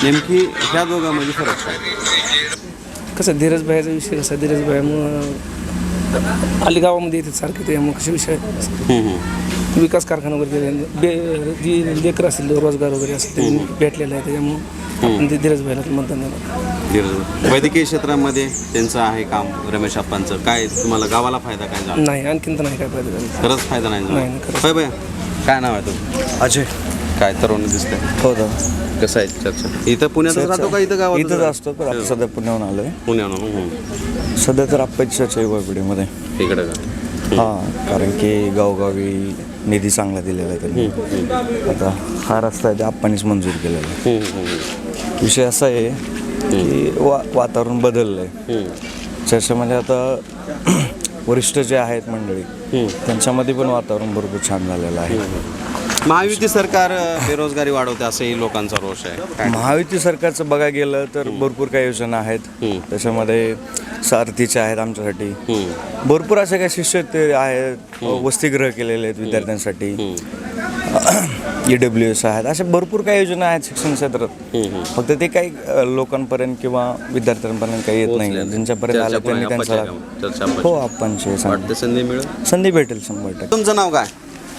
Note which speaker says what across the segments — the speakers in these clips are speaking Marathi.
Speaker 1: नेमकी ह्या दोघांमध्ये फरक काय?
Speaker 2: कसं धीरज भाईचा विषय कसा धीरज भाईमुळं आली गावामध्ये येतात सारखे त्यामुळे कसे विषय विकास कारखाना वगैरे जी लेकर असतील रोजगार वगैरे असेल ते भेटलेलं आहे त्याच्यामुळं आपण ते धीरज भाईला मतदान देणार.
Speaker 1: वैद्यकीय क्षेत्रामध्ये त्यांचं आहे काम रमेश आप्पांचं, काय तुम्हाला गावाला फायदा काय झाला?
Speaker 2: नाही आणखीन तर नाही काय फायदा झाला.
Speaker 1: खरंच फायदा नाही झाला.
Speaker 2: नाही, खरंच.
Speaker 1: होय भैया, काय नाव आहे तुमचं?
Speaker 3: अजय.
Speaker 1: काय तरुण दिसतंय?
Speaker 3: हो दादा.
Speaker 1: कसं आहे चर्चा? इथं पुण्यातच राहतो का इथं गावात?
Speaker 3: इथंच असतो पण आता सध्या पुण्याहून आलोय.
Speaker 1: पुण्याहून.
Speaker 3: सध्या तर आप्पाची चर्चा आहे वाघबिडीमध्ये.
Speaker 1: इकडं का?
Speaker 3: हां, कारण की गावोगावी निधी चांगला दिलेला आहे त्यांनी. आता हा रस्ता आहे ते आप्पानीच मंजूर केलेला आहे. विषय असा आहे की वातावरण बदललं आहे. चर्चेमध्ये आता वरिष्ठ जे आहेत मंडळी त्यांच्यामध्ये पण वातावरण भरपूर छान झालेलं आहे.
Speaker 1: महायुती सरकार बेरोजगारी वाढवते असंही लोकांचा रोष आहे. काय?
Speaker 3: महायुती सरकारचं बघायला गेलं तर भरपूर काही योजना आहेत. त्याच्यामध्ये सारथीच्या आहेत आमच्यासाठी. भरपूर अशा काही शिष्यवृत्ती आहेत, वसतिगृह केलेले आहेत विद्यार्थ्यांसाठी, EWS आहेत, अशा भरपूर काही योजना आहेत शिक्षण क्षेत्रात. फक्त ते काही लोकांपर्यंत किंवा विद्यार्थ्यांपर्यंत काही येत नाही. ज्यांच्यापर्यंत आलं त्यांनी त्यांचा हो आपणचे संधी भेटेल 100%.
Speaker 1: तुमचं नाव काय?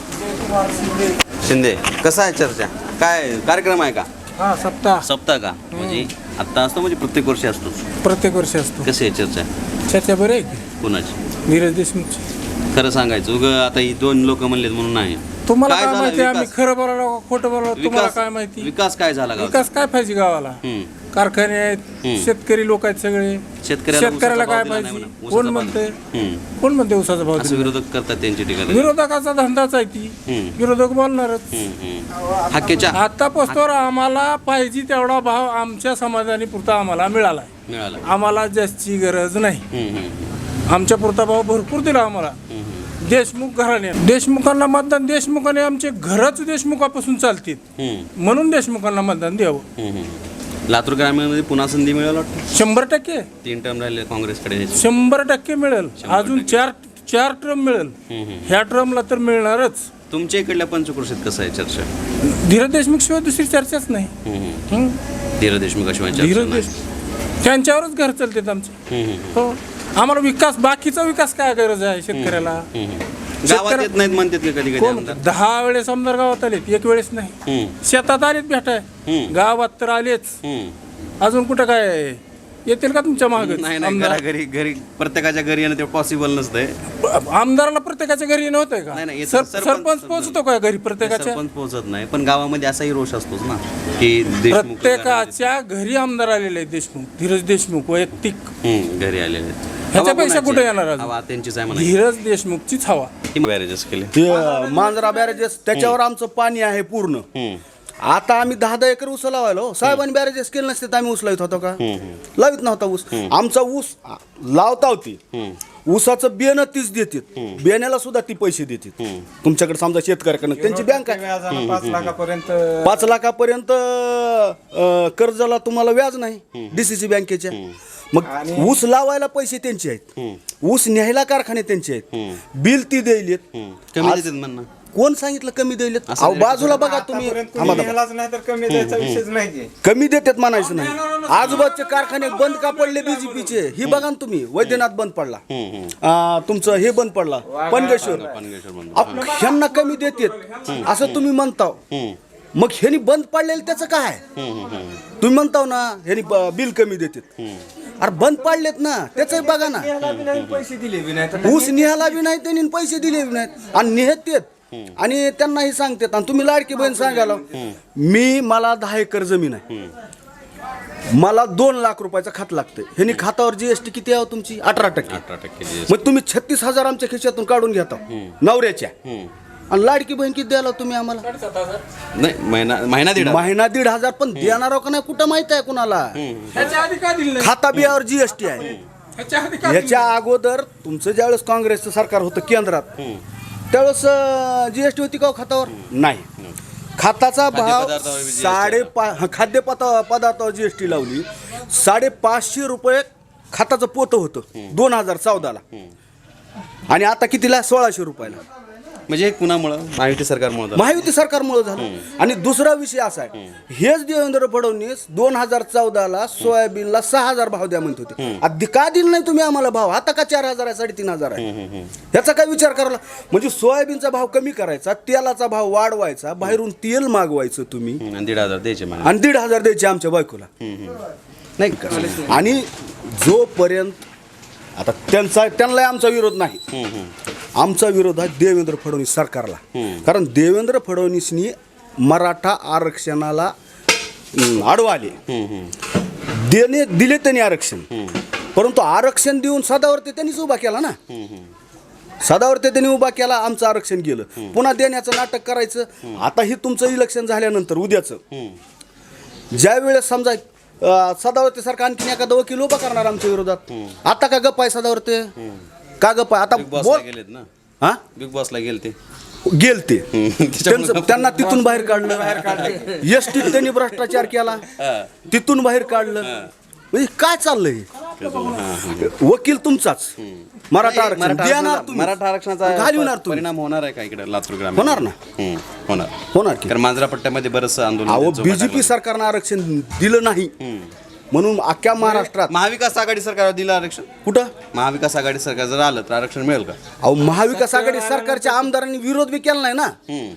Speaker 1: शिंदे. कसं आहे चर्चा? काय कार्यक्रम आहे का?
Speaker 4: हा
Speaker 1: सप्ताह का? म्हणजे आत्ता असतो म्हणजे प्रत्येक वर्षी असतो?
Speaker 4: प्रत्येक वर्षी असतो.
Speaker 1: कशी आहे चर्चा?
Speaker 4: चर्चा बरी आहे की?
Speaker 1: कुणाची?
Speaker 4: धीरज देशमुखची.
Speaker 1: खरं सांगायचं उग आता ही दोन लोक म्हणलेत म्हणून नाही.
Speaker 4: तुम्हाला
Speaker 1: काय
Speaker 4: काय
Speaker 1: झालं
Speaker 4: माहिती आम्ही
Speaker 1: विकास?
Speaker 4: खरं बोलावं खोटं बोलावं तुम्हाला काय माहिती?
Speaker 1: विकास काय झाला गावात?
Speaker 4: विकास काय पाहिजे गावाला? कारखाने आहेत, शेतकरी लोक आहेत सगळे. शेतकऱ्याला काय पाहिजे? कोण म्हणते उसाचा भाव
Speaker 1: असं
Speaker 4: दिला?
Speaker 1: विरोधक करतात त्यांची टीका.
Speaker 4: विरोधकाचा धंदाच आहे ती. विरोधक बोलणारच.
Speaker 1: हक्केच्या
Speaker 4: आता पोस्टवर आम्हाला पाहिजे तेवढा भाव आमच्या समाजाने पुरता आम्हाला मिळाला. आम्हाला जास्ती गरज नाही. आमच्या पुरता भाव भरपूर दिला आम्हाला. देशमुख घराणे देशमुखांना मतदान, देशमुखाने आमचे घरच देशमुखापासून चालतील म्हणून देशमुखांना मतदान द्यावं.
Speaker 1: लातूर ग्रामीणमध्ये पुन्हा संधी मिळेल वाटतं?
Speaker 4: 100%.
Speaker 1: 3 टर्म राहिले काँग्रेसकडे.
Speaker 4: 100% मिळेल. अजून चार टर्म मिळेल. ह्या टर्मला तर मिळणारच.
Speaker 1: तुमच्या इकडल्या पंचक्रोशीत कसं आहे चर्चा?
Speaker 4: धीरज देशमुख शिवाय दुसरी चर्चाच नाही.
Speaker 1: धीरज देशमुख शिवाय
Speaker 4: धीरज देशमुख त्यांच्यावरच घर चालतात आमचे. हो, आम्हाला विकास, बाकीचा विकास काय गरज आहे शेतकऱ्याला?
Speaker 1: गावात येत नाहीत म्हणतात का कधी कधी आमदार?
Speaker 4: 10 वेळेस आमदार गावात आलेत, एक वेळेस नाही. शेतात आलेत भेटाय, गावात तर आलेच. अजून कुठं काय येतील का तुमच्या मागे?
Speaker 1: नाही घरी प्रत्येकाच्या घरी येणं ते पॉसिबल नसतंय.
Speaker 4: आमदाराला प्रत्येकाच्या घरी येणं होतंय का?
Speaker 1: नाही,
Speaker 4: सरपंच पोहोचतो का घरी प्रत्येकाच्या?
Speaker 1: सरपंच पोहोचत नाही, पण गावामध्ये असाही रोष असतोच ना की
Speaker 4: प्रत्येकाच्या घरी आमदार आलेले आहेत. देशमुख, धीरज देशमुख वैयक्तिक
Speaker 1: घरी आलेले आहेत.
Speaker 4: ह्याच्यापेक्षा कुठे येणार?
Speaker 1: हवा त्यांचीच आहे म्हणा.
Speaker 4: धीरज देशमुखचीच हवा.
Speaker 1: बॅरेजेस केले
Speaker 5: ते मांजरा बॅरेजेस, त्याच्यावर आमचं पाणी आहे पूर्ण. आता आम्ही 10 एकर ऊस लावायलो. साहेबांनी बॅरेजेस केले नसते तर आम्ही ऊस लावित होतो का? लावित नव्हता ऊस. आमचा ऊस लावता होती. ऊसाचं बियाणं तीच देतात, बियाण्याला सुद्धा ती पैसे देतात. तुमच्याकडे समजा शेतकऱ्याकडनं त्यांची बँक आहे 5 लाखापर्यंत कर्जाला तुम्हाला व्याज नाही DCC बँकेच्या. मग ऊस लावायला पैसे त्यांचे आहेत, ऊस न्यायला कारखाने त्यांचे आहेत, बिल ती द्यायलेत.
Speaker 1: कमी देतात म्हणणं.
Speaker 5: कोण सांगितलं कमी द्यायलेत? बाजूला बघा तुम्ही. कमी देतात म्हणायचं नाही. आजूबाजूचे कारखाने बंद का पडले बीजेपीचे? ही बघा ना तुम्ही. वैद्यनाथ बंद पडला, तुमचं हे बंद पडला पनगेश्वर. ह्यांना कमी देतात असं तुम्ही म्हणता. मग ह्यांनी बंद पडलेलं त्याचं काय? तुम्ही म्हणताव ना ह्यांनी बिल कमी देतात. अरे बंद पाडलेत ना, त्याच बघा ना. ऊस निघाला बी नाही त्यांनी, पैसे दिले बी नाहीत आणि निघतात. आणि त्यांना हे सांगतात. आणि तुम्ही लाडकी बहीण सांगायला, मला 10 एकर जमीन आहे, मला 2 लाख रुपयाचं खात लागतं. ह्यांनी खातावर GST किती आहे तुमची? 18%. मग तुम्ही 36,000 आमच्या खिशातून काढून घेता नवऱ्याच्या. आणि लाडकी बहीण किती द्यायला तुम्ही आम्हाला?
Speaker 1: नाही, महिना
Speaker 5: 1,500 पण देणार का नाही कुठं माहित आहे कुणाला? खाता बियावर GST आहे. ह्याच्या अगोदर तुमचं ज्यावेळेस काँग्रेसचं सरकार होतं केंद्रात, त्यावेळेस GST होती का खातावर? नाही. खाताचा भाव 5.5 खाद्यपदार्थावर GST लावली. 550 रुपये खाताचं पोतं होतं 2014ला. आणि आता कितीला? 1600 रुपयाला.
Speaker 1: म्हणजे हे कुणामुळं महायुती सरकारमुळे झालं?
Speaker 5: महायुती सरकारमुळे झालं. आणि दुसरा विषय असा आहे, हेच देवेंद्र फडणवीस 2014ला सोयाबीनला 6,000 भाव द्या म्हणत होते. आधी का दिला नाही तुम्ही आम्हाला भाव? आता का 4,000 आहे, 3,500 आहे? ह्याचा काय विचार करायला? म्हणजे सोयाबीनचा भाव कमी करायचा, तेलाचा भाव वाढवायचा, बाहेरून तेल मागवायचं तुम्ही,
Speaker 1: आणि 1,500 द्यायचे मला.
Speaker 5: आणि 1,500 द्यायचे आमच्या बायकोला, नाही का? आणि जोपर्यंत आता त्यांना आमचा विरोध नाही, आमचा विरोध आहे देवेंद्र फडणवीस सरकारला. कारण देवेंद्र फडणवीसनी मराठा आरक्षणाला आडवा आले, दिले त्यांनी आरक्षण, परंतु आरक्षण देऊन सदावरती त्यांनीच उभा केला ना. सदावरती त्यांनी उभा केला, आमचं आरक्षण गेलं. पुन्हा देण्याचं नाटक करायचं. आता हे तुमचं इलेक्शन झाल्यानंतर उद्याचं, ज्या वेळेस समजा सदावरती सारखा आणखीन एखादा वकील उभा करणार आमच्या विरोधात, आता का गप्प आहे सदावरती? का गप्प आहे? आता
Speaker 1: बिग बॉसला गेलेत ना,
Speaker 5: हा
Speaker 1: बिग बॉसला गेलते.
Speaker 5: गेलते त्यांना तिथून बाहेर काढलं. एसटीत त्यांनी भ्रष्टाचार केला, तिथून बाहेर काढलं. म्हणजे काय चाललंय? वकील तुमचाच. मराठा आरक्षण देणार तुम्ही,
Speaker 1: मराठा आरक्षणाचा
Speaker 5: घालवणार तुम्ही.
Speaker 1: परिणाम होणार आहे का इकडे लातूर ग्रामीण?
Speaker 5: होणार ना, होणार की.
Speaker 1: कारण मांजरा पट्ट्यामध्ये बरंच आंदोलन
Speaker 5: अहो,
Speaker 1: त्यांचं
Speaker 5: बीजेपी
Speaker 1: टाकलं.
Speaker 5: सरकारनं आरक्षण दिलं नाही म्हणून अख्ख्या महाराष्ट्रात.
Speaker 1: महाविकास आघाडी सरकार दिलं आरक्षण.
Speaker 5: कुठं?
Speaker 1: महाविकास आघाडी सरकार जर आलं तर आरक्षण मिळेल का?
Speaker 5: अहो, महाविकास आघाडी सरकारच्या आमदारांनी विरोध बी केला नाही ना.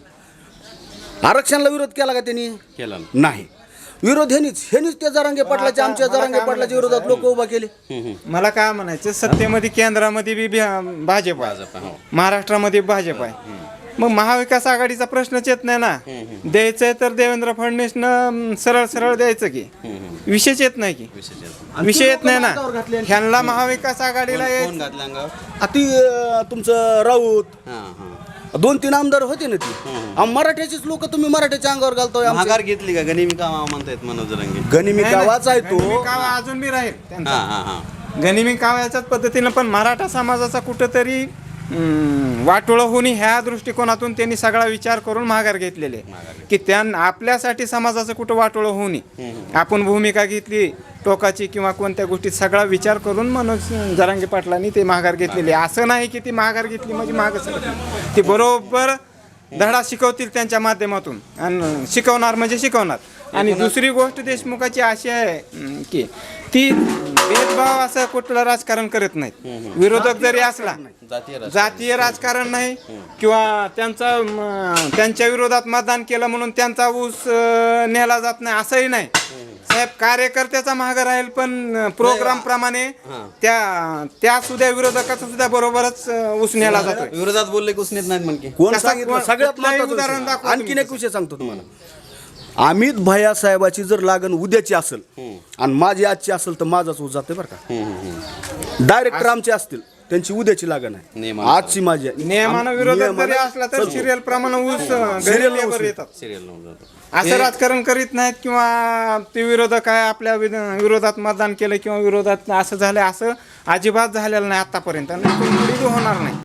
Speaker 5: आरक्षणाला विरोध केला का त्यांनी?
Speaker 1: केला ना.
Speaker 5: नाही. विरोध ह्यानीच त्या जरांगे पाटलाच्या, आमच्या जरांगे पाटलाच्या विरोधात लोक उभा केले.
Speaker 6: मला काय म्हणायचं, सत्तेमध्ये केंद्रामध्ये बी भाजप आहे,
Speaker 1: हो.
Speaker 6: महाराष्ट्रामध्ये भाजप आहे. मग महाविकास आघाडीचा प्रश्नच येत नाही ना. द्यायचंय तर देवेंद्र फडणवीसनं सरळ सरळ द्यायचं की, विषयच येत नाही की, विषय येत नाही ना. ह्यांना महाविकास आघाडीला
Speaker 1: कोण
Speaker 6: यायचं.
Speaker 1: घातलं अंगावर?
Speaker 5: अति तुमचं राऊत,
Speaker 1: हां, हां.
Speaker 5: 2-3 आमदार होते ना ती. मराठ्याचीच लोक तुम्ही मराठ्याच्या अंगावर घालतोय. आमच्या
Speaker 1: माघार घेतली का? गनिमी कामा म्हणतायत मनोज जरांगे.
Speaker 5: गनिमी गावाच आहे
Speaker 6: गनिमी
Speaker 5: तो.
Speaker 6: कावा अजून बी राहील त्यांचा.
Speaker 1: हां, हां, हां.
Speaker 6: गनिमी काव्याच्याच पद्धतीनं, पण मराठा समाजाचा कुठंतरी वाटोळं होणे ह्या दृष्टिकोनातून त्यांनी सगळा विचार करून माघार घेतलेले, की आपल्यासाठी समाजाचं कुठं वाटोळं होऊ नये. आपण भूमिका घेतली टोकाची किंवा कोणत्या गोष्टीत, सगळा विचार करून मनोज जरांगे पाटलांनी ते माघार घेतलेली. असं नाही की ती माघार घेतली म्हणजे मागं सरकली. ती बरोबर धडा शिकवतील त्यांच्या माध्यमातून, आणि शिकवणार म्हणजे शिकवणार. आणि दुसरी गोष्ट देशमुखाची अशी आहे की ती भेदभाव असं कुठलं राजकारण करत नाहीत. विरोधक जरी असला, जातीय राजकारण नाही, किंवा त्यांच्या विरोधात मतदान केलं म्हणून त्यांचा ऊस नेला जात नाही असंही नाही. साहेब, कार्यकर्त्याचा मागं राहील, पण प्रोग्राम प्रमाणे त्या सुद्धा विरोधकाचा सुद्धा बरोबरच ऊस नेला जातो.
Speaker 1: विरोधात बोलले की उसनेत नाहीत म्हणके.
Speaker 5: कोण
Speaker 6: कसा-
Speaker 5: सांगितलं? सगळ्यात
Speaker 6: कुठलंही
Speaker 5: महत्त्वाचं
Speaker 6: उदाहरण
Speaker 5: विषय.
Speaker 6: दाखवा
Speaker 5: आणखीन
Speaker 6: तुम्ही.
Speaker 5: एक विषय सांगतो तुम्हाला. अमित भैया साहेबाची जर लागण उद्याची असेल आणि माझी आजची असेल तर माझाच ऊस जाते बरं का. डायरेक्टर आमचे असतील, त्यांची उद्याची लागण आहे,
Speaker 1: नियमानुसार.
Speaker 5: आजची माझी आहे.
Speaker 6: नियमानं विरोधक जरी
Speaker 5: नियमानं
Speaker 6: असला तर
Speaker 5: चालतो.
Speaker 6: सिरियल प्रमाणे ऊस
Speaker 5: Serial
Speaker 6: घरी
Speaker 5: ऊस
Speaker 6: येतात.
Speaker 1: सिरियल लावून जातो.
Speaker 6: असं राजकारण करीत नाहीत, किंवा ते विरोधक आहे आपल्या विरोधात मतदान केलं किंवा विरोधात असं झालं, असं अजिबात झालेलं नाही आतापर्यंत, आणि होणार नाही.